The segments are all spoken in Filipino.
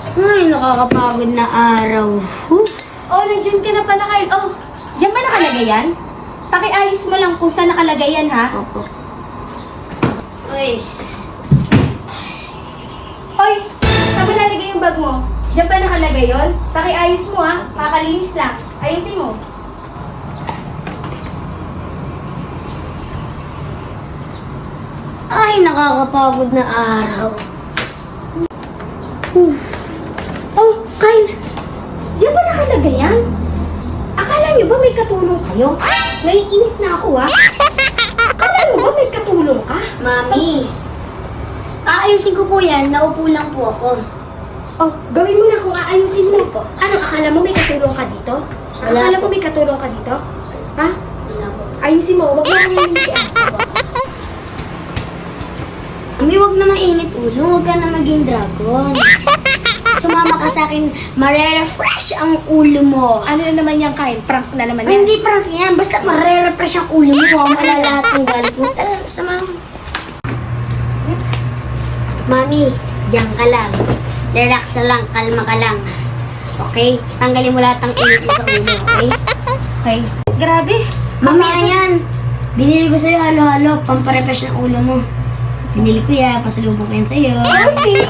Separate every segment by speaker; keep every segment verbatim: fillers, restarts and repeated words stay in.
Speaker 1: Ay, nakakapagod na araw. Huh?
Speaker 2: Oh, nandiyan ka na pala, Kyle. Oh, diyan ba nakalagay yan? Pakiayos mo lang kung saan nakalagay yan, ha?
Speaker 1: Opo. Guys.
Speaker 2: Oy, saan mo nalagay yung bag mo? Diyan ba nakalagay yon? Pakiayos mo, ha? Kakalinis lang. Ayusin mo.
Speaker 1: Ay, nakakapagod na araw.
Speaker 2: Huh. Oh, Kyle. Diyan ba nakalagay yan? Akala nyo ba may katulong kayo? Naiinis na ako, ha? Akala nyo ba may katulong ka?
Speaker 1: Mami, aayusin ko po yan. Naupo lang po ako.
Speaker 2: Oh, gawin mo na kung aayusin mo.
Speaker 1: Po.
Speaker 2: Ano, akala mo may katulong ka dito?
Speaker 1: Wala
Speaker 2: Akala
Speaker 1: po.
Speaker 2: mo may katulong ka dito? Ha?
Speaker 1: Wala po.
Speaker 2: Ayusin mo, huwag mo nang hihilian.
Speaker 1: Mami, huwag na mainit ulo. Huwag ka na maging dragon. Sumama ka sa akin, marerefresh ang ulo mo.
Speaker 2: Ano na naman yan, Kyle? Prank na naman
Speaker 1: Ay,
Speaker 2: yan.
Speaker 1: hindi prank yan. Basta marerefresh ang ulo mo. Malalahat ng galit mo. Tara, sama mo. Mami, diyan ka lang. Relax na lang. Kalma ka lang. Okay? Tanggalin mo lahat ng init mo sa ulo. Okay?
Speaker 2: Okay. Grabe.
Speaker 1: Mami, ayan. Binili ko sa'yo halo-halo. Pamparefresh ng ulo mo. Binili ko yan. Pasalubong ko yan sa'yo.
Speaker 2: Okay.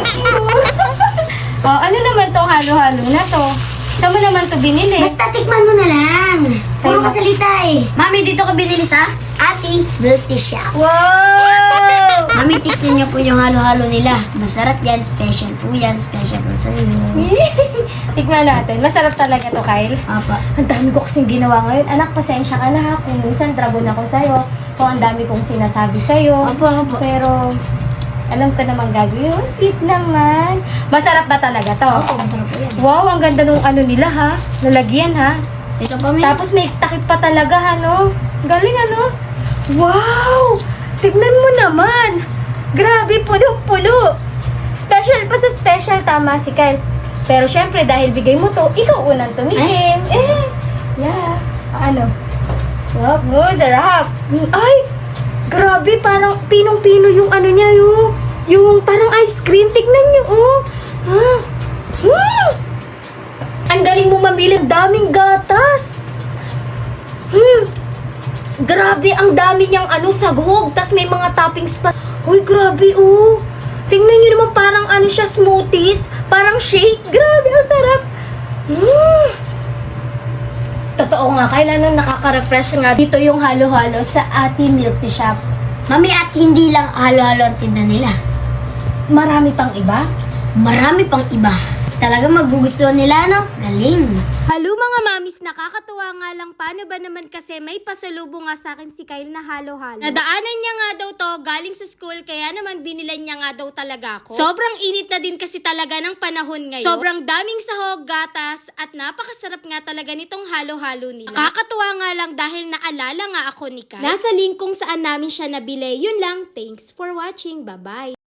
Speaker 2: Oh, ano naman to halo-halo na to? Saan mo naman to binili?
Speaker 1: Basta tikman mo na lang. Puro
Speaker 2: Sa'yo
Speaker 1: ka
Speaker 2: ba?
Speaker 1: salita eh. Mami, dito ka binili sa Ate Beauty Shop.
Speaker 2: Wow!
Speaker 1: Mami, tikman niyo po yung halo-halo nila. Masarap yan. Special po yan. Special po sa'yo.
Speaker 2: Tikman natin. Masarap talaga to, Kyle.
Speaker 1: Apa.
Speaker 2: Ang dami ko kasing ginawa ngayon. Anak, pasensya ka na ha. Kung minsan dragon ako sa'yo. Kung ang dami kong sinasabi sa'yo.
Speaker 1: Apa, apa.
Speaker 2: Pero, alam ko naman gagawin. Oh, sweet naman. Masarap ba talaga to?
Speaker 1: Opo, masarap po yan.
Speaker 2: Wow, ang ganda nung ano nila ha. Lalagyan ha.
Speaker 1: Ito pa, Mami.
Speaker 2: Tapos may takip pa talaga ha, no? Galing ano? Wow! Tignan mo naman! Grabe, puno-puno! Special pa sa special, tama si Kyle. Pero syempre, dahil bigay mo to, ikaw unang tumikim. Eh, yeah. Ano? Wow, oh, sarap! Ay! Grabe, parang pinong-pino yung ano niya, yung, yung parang ice cream. Tignan niyo, oh! Ha? Hmm! Ang galing mo mamili, ang daming gatas! Hmm! Grabe, ang dami niyang ano, sagog. Tas may mga toppings pa. Uy, grabe, oh. Tingnan niyo naman, parang ano siya, smoothies. Parang shake. Grabe, ang sarap. Mm. Totoo nga, kailan nakaka-refresh nga dito yung halo-halo sa Ate Milk Tea Shop.
Speaker 1: Mami, at hindi lang halo-halo ang tinda nila.
Speaker 2: Marami pang iba.
Speaker 1: Marami pang iba. Talaga magugustuhan nila, no? Galing.
Speaker 3: Halo mga mamis, nakakatuwa nga lang. Paano ba naman kasi may pasalubong nga sa akin si Kyle na halo-halo. Nadaanan niya nga daw to galing sa school, kaya naman binilan niya nga daw talaga ako. Sobrang init na din kasi talaga ng panahon ngayon. Sobrang daming sahog, gatas, at napakasarap nga talaga nitong halo-halo nila. Nakakatuwa nga lang dahil naalala nga ako ni Kyle. Nasa link kung saan namin siya nabili. Yun lang, thanks for watching. Bye-bye.